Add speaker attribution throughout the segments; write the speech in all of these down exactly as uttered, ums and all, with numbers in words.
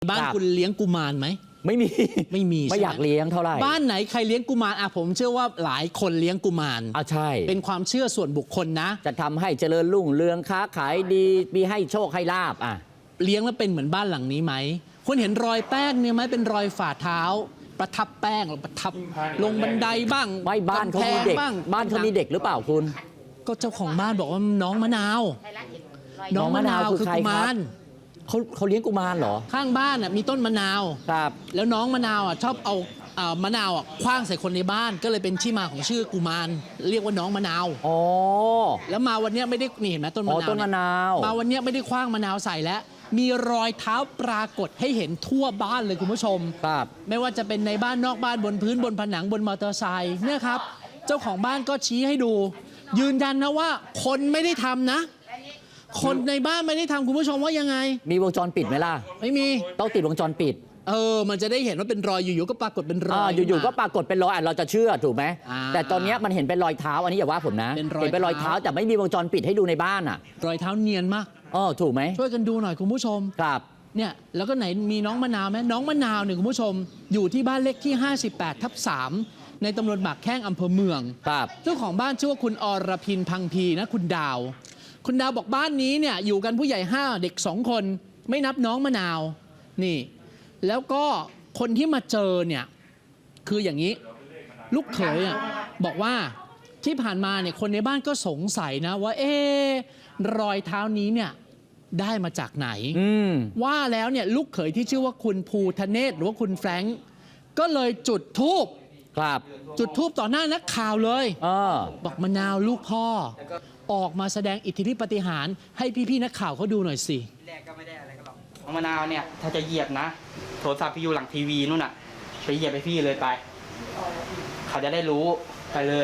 Speaker 1: บ้านคุณเลี้ยงกุมารไหม
Speaker 2: ไม่มี
Speaker 1: ไม่มี
Speaker 2: ไม่อยากเลี้ยงเท่าไหร่
Speaker 1: บ้านไหนใครเลี้ยงกุมารอ่ะผมเชื่อว่าหลายคนเลี้ยงกุมาร
Speaker 2: อ่ะใช่
Speaker 1: เป็นความเชื่อส่วนบุคคลนะ
Speaker 2: จะทำให้เจริญรุ่งเรืองค้าขายดีมีให้โชคให้ลาบอ่ะ
Speaker 1: เลี้ยงแล้วเป็นเหมือนบ้านหลังนี้ไหมคุณเห็นรอยแป้งเนี่ยไหมเป็นรอยฝ่าเท้าประทับแป้งประทับลงบันไดบ้าง
Speaker 2: ไม่บ้านเขามีเด็กบ้านเขามีเด็กหรือเปล่าคุณ
Speaker 1: ก็เจ้าของบ้านบอกว่าน้องมะนาวน้องมะนาวคือกุมาร
Speaker 2: เขาเขาเลี้ยงกุมารเหรอ
Speaker 1: ข้างบ้านอ่ะมีต้นมะนาว
Speaker 2: ครับ
Speaker 1: แล้วน้องมะนาวอ่ะชอบเอามะนาวอ่ะคว้างใส่คนในบ้านก็เลยเป็นที่มาของชื่อกุมารเรียกว่าน้องมะนาว
Speaker 2: อ๋อ
Speaker 1: แล้วมาวันนี้ไม่ได้นี่เห็นไหมต้นมะนาว
Speaker 2: ต้นมะนาว
Speaker 1: มาวันนี้ไม่ได้คว้างมะนาวใส่แล้วมีรอยเท้าปรากฏให้เห็นทั่วบ้านเลยคุณผู้ชม
Speaker 2: ครับ
Speaker 1: ไม่ว่าจะเป็นในบ้านนอกบ้านบนพื้นบนผนังบนมอเตอร์ไซค์เนี่ยครับเจ้าของบ้านก็ชี้ให้ดูยืนยันนะว่าคนไม่ได้ทำนะคนในบ้านไม่ได้ทำคุณผู้ชมว่ายังไง
Speaker 2: มีวงจรปิดไหมล่ะ
Speaker 1: ไม่มี
Speaker 2: ต้องติดวงจรปิด
Speaker 1: เออมันจะได้เห็นว่าเป็นรอยอยู่ๆก็ปรากฏเป็นรอย
Speaker 2: อยู่ๆก็ปรากฏเป็นรอยเราจะเชื่อถูกไหมแต่ตอนนี้มันเห็นเป็นรอยเท้าอันนี้อย่าว่าผมนะเห็นเป็นรอยเท้าแต่ไม่มีวงจรปิดให้ดูในบ้านอ่ะ
Speaker 1: รอยเท้าเนียนมาก
Speaker 2: เออถูกไหม
Speaker 1: ช่วยกันดูหน่อยคุณผู้ชม
Speaker 2: ครับ
Speaker 1: เนี่ยแล้วก็ไหนมีน้องมะนาวไหมน้องมะนาวเนี่ยคุณผู้ชมอยู่ที่บ้านเลขที่ห้าสิบแปดทับสามในตำบลหมากแข้งอำเภอเมือง
Speaker 2: ครับ
Speaker 1: เจ้าของบ้านชื่อว่าคุณอรพินพังพีนะคุณดาวคุณดาวบอกบ้านนี้เนี่ยอยู่กันผู้ใหญ่ห้าเด็กสองคนไม่นับน้องมะนาวนี่แล้วก็คนที่มาเจอเนี่ยคืออย่างนี้ลูกเขยอ่ะบอกว่าที่ผ่านมาเนี่ยคนในบ้านก็สงสัยนะว่าเอ๊ะรอยเท้านี้เนี่ยได้มาจากไหนว่าแล้วเนี่ยลูกเขยที่ชื่อว่าคุณภูทะเนศหรือว่าคุณแฟรงก์ก็เลยจุดธูป
Speaker 2: ครับ
Speaker 1: จุดธูปต่อหน้านักข่าวเลย
Speaker 2: อ
Speaker 1: บอกมะนาวลูกพ่อออกมาแสดงอิทธิฤทธิปาฏิหาริย์ให้พี่ๆนักข่าวเขาดูหน่อยสิ
Speaker 3: แรกก็ไม่ได้อะไรกันหรอกมะนาวเนี่ยถ้าจะเหยียบนะโทรศัพท์พี่อยู่หลังทีวีนู่นน่ะไปเหยียบไปพี่เลยไปเขาจะได้รู้ไปเลย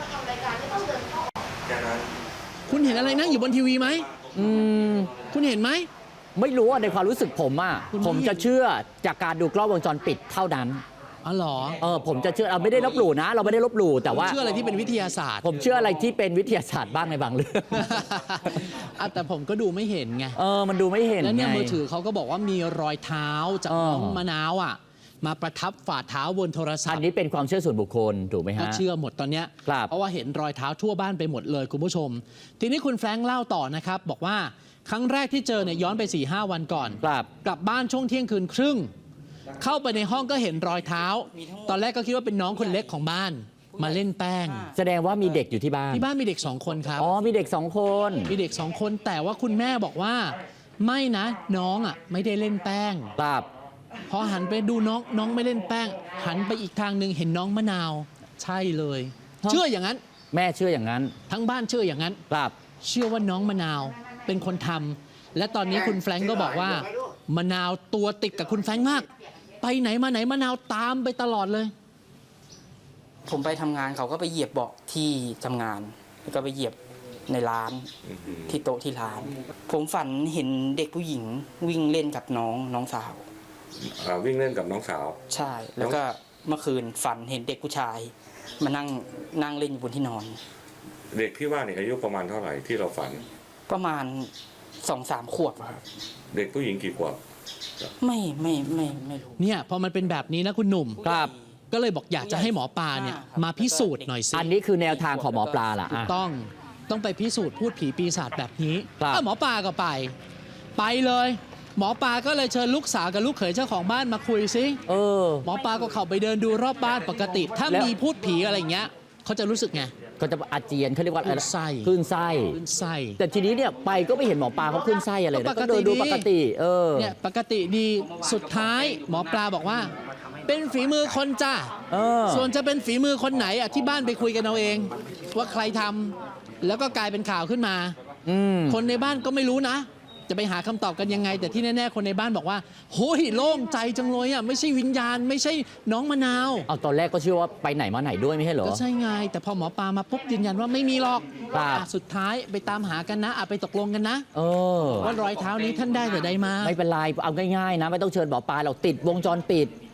Speaker 1: คุณเห็นอะไรนั่งอยู่บนทีวีไหม
Speaker 2: อืม
Speaker 1: คุณเห็นไหม
Speaker 2: ไม่รู้อ่ะในความรู้สึกผมอ่ะผมจะเชื่อจากการดูกล้องวงจรปิดเท่านั้น
Speaker 1: อ๋อเหรอ
Speaker 2: เออผมจะเชื่อเราไม่ได้ลบหลู่นะเราไม่ได้ลบหลู่แต่ว่า
Speaker 1: เชื่ออะไรที่เป็นวิทยาศาสตร์
Speaker 2: ผมเชื่ออะไรที่เป็นวิทยาศาสตร์บ้างในบางเรื่อง
Speaker 1: แต่ผมก็ดูไม่เห็นไง
Speaker 2: เออมันดูไม่เห็น
Speaker 1: แล้วเนี่ยมือถือเขาก็บอกว่ามีรอยเท้าจากน้องมะนาวอ่ะมาประทับฝ่าเท้าบนโทรศัพท์
Speaker 2: อันนี้เป็นความเชื่อส่วนบุคคลถูกไหมฮะ
Speaker 1: ก็เชื่อหมดตอนเนี้ยเพราะว่าเห็นรอยเท้าทั่วบ้านไปหมดเลยคุณผู้ชมทีนี้คุณแฟรงค์เล่าต่อนะครับบอกว่าครั้งแรกที่เจอเนี่ยย้อนไป สี่ห้า วันก่อนกลับบ้านช่วงเที่ยงคืนครึ่งเข้าไปในห้องก็เห็นรอยเท้าตอนแรกก็คิดว่าเป็นน้องคนเล็กของบ้านมาเล่นแป้ง
Speaker 2: แสดงว่ามีเด็กอยู่ที่บ้าน
Speaker 1: ที่บ้านมีเด็กสองคนครับ
Speaker 2: อ๋อมีเด็กสองคน
Speaker 1: มีเด็กสองคนแต่ว่าคุณแม่บอกว่าไม่นะน้องอ่ะไม่ได้เล่นแป้ง
Speaker 2: ครับ
Speaker 1: พอหันไปดูน้องน้องไม่เล่นแป้งหันไปอีกทางหนึ่งเห็นน้องมะนาวใช่เลยเชื่ออย่างนั้น
Speaker 2: แม่เชื่ออย่างนั้น
Speaker 1: ทั้งบ้านเชื่ออย่างนั้น
Speaker 2: ครับ
Speaker 1: เชื่อว่าน้องมะนาวเป็นคนทำและตอนนี้คุณแฟรงก์ก็บอกว่ามะนาวตัวติดกับคุณแฟรงก์มากไปไหนมาไหนมะนาวตามไปตลอดเลย
Speaker 3: ผมไปทำงานเขาก็ไปเหยียบเบาะที่ทำงานแล้วก็ไปเหยียบในร้านที่โต๊ะที่ร้านผมฝันเห็นเด็กผู้หญิงวิ่งเล่นกับน้องน้องสาว
Speaker 4: วิ่งเล่นกับน้องสาว
Speaker 3: ใช่แล้วก็เมื่อคืนฝันเห็นเด็กผู้ชายมานั่งนั่งเล่นอยู่บนที่นอน
Speaker 4: เด็กที่ว่านี่อายุประมาณเท่าไหร่ที่เราฝัน
Speaker 3: ประมาณสองสามขวบครับ
Speaker 4: เด็กผู้หญิงกี่ขวบ
Speaker 3: ไม่ไม่ไม่ไม่รู้
Speaker 1: เนี่ยพอมันเป็นแบบนี้นะคุณหนุ่ม
Speaker 2: ครับ
Speaker 1: ก็เลยบอกอยากจะให้หมอปลาเนี่ยมาพิสูจน์หน่อยสิ
Speaker 2: อันนี้คือแนวทางของหมอปลาล่ะ
Speaker 1: ถูกต้องต้องไปพิสูจน์พูดผีปีศาจแบบนี้หมอปลาก็ไปไปเลยหมอปลาก็เลยเชิญลูกสาวกับลูกเขยเจ้าของบ้านมาคุยซิ
Speaker 2: เออ
Speaker 1: หมอปลาก็เข้าไปเดินดูรอบบ้านปกติถ้ามีพูดผีอะไรอย่างเงี้ยเขาจะรู้สึกไง
Speaker 2: ก็จะอาเจียนเขาเรียกว่า
Speaker 1: ขึ้นไส้
Speaker 2: ขึ้นไส้
Speaker 1: ขึ้นไส้
Speaker 2: แต่ทีนี้เนี่ยไปก็ไม่เห็นหมอปลาเขาขึ้นไส้อะไรนะก็เดินดูปกติเออ
Speaker 1: เนี่ยปกติดีสุดท้ายหมอปลาบอกว่าเป็นฝีมือคนจ้าส่วนจะเป็นฝีมือคนไหนอ่ะที่บ้านไปคุยกันเอาเองว่าใครทำแล้วก็กลายเป็นข่าวขึ้นมาคนในบ้านก็ไม่รู้นะจะไปหาคำตอบกันยังไงแต่ที่แน่ๆคนในบ้านบอกว่าโอ้ยโล่งใจจังเลยอ่ะไม่ใช่วิญญาณไม่ใช่น้องมะนาว
Speaker 2: เอาตอนแรกก็เชื่อว่าไปไหนมาไหนด้วยไม่ใช่เหรอ
Speaker 1: ก็ใช่ไงแต่พอหมอปลามาปุ๊บยืนยันว่าไม่มีหรอกสุดท้ายไปตามหากันนะไปตกลงกันนะ
Speaker 2: เออ
Speaker 1: ว่ารอยเท้านี้ท่านได้แต่ใดมา
Speaker 2: ไม่เป็นไรเอาง่ายๆนะไม่ต้องเชิญหมอปลาเราติดวงจรปิด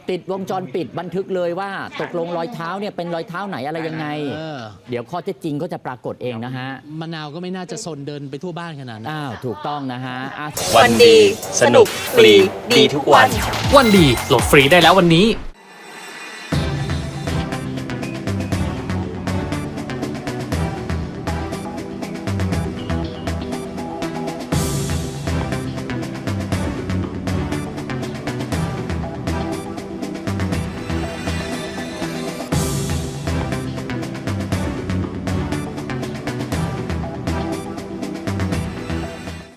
Speaker 2: ติดวงจรปิดบันทึกเลยว่าตกลงรอยเท้าเนี่ยเป็นรอยเท้าไหนอะไรยังไง
Speaker 1: เออ
Speaker 2: เดี๋ยวข้อเท็จจริงก็จะปรากฏเองนะฮะ
Speaker 1: มะนาวก็ไม่น่าจะซนเดินไปทั่วบ้านขนาดนั้น
Speaker 2: อ้าวถูกต้องนะฮะอ่ะ
Speaker 5: วันดี สนุก ฟรี ดีทุกวัน
Speaker 6: วันดีโหลดฟรีได้แล้ววันนี้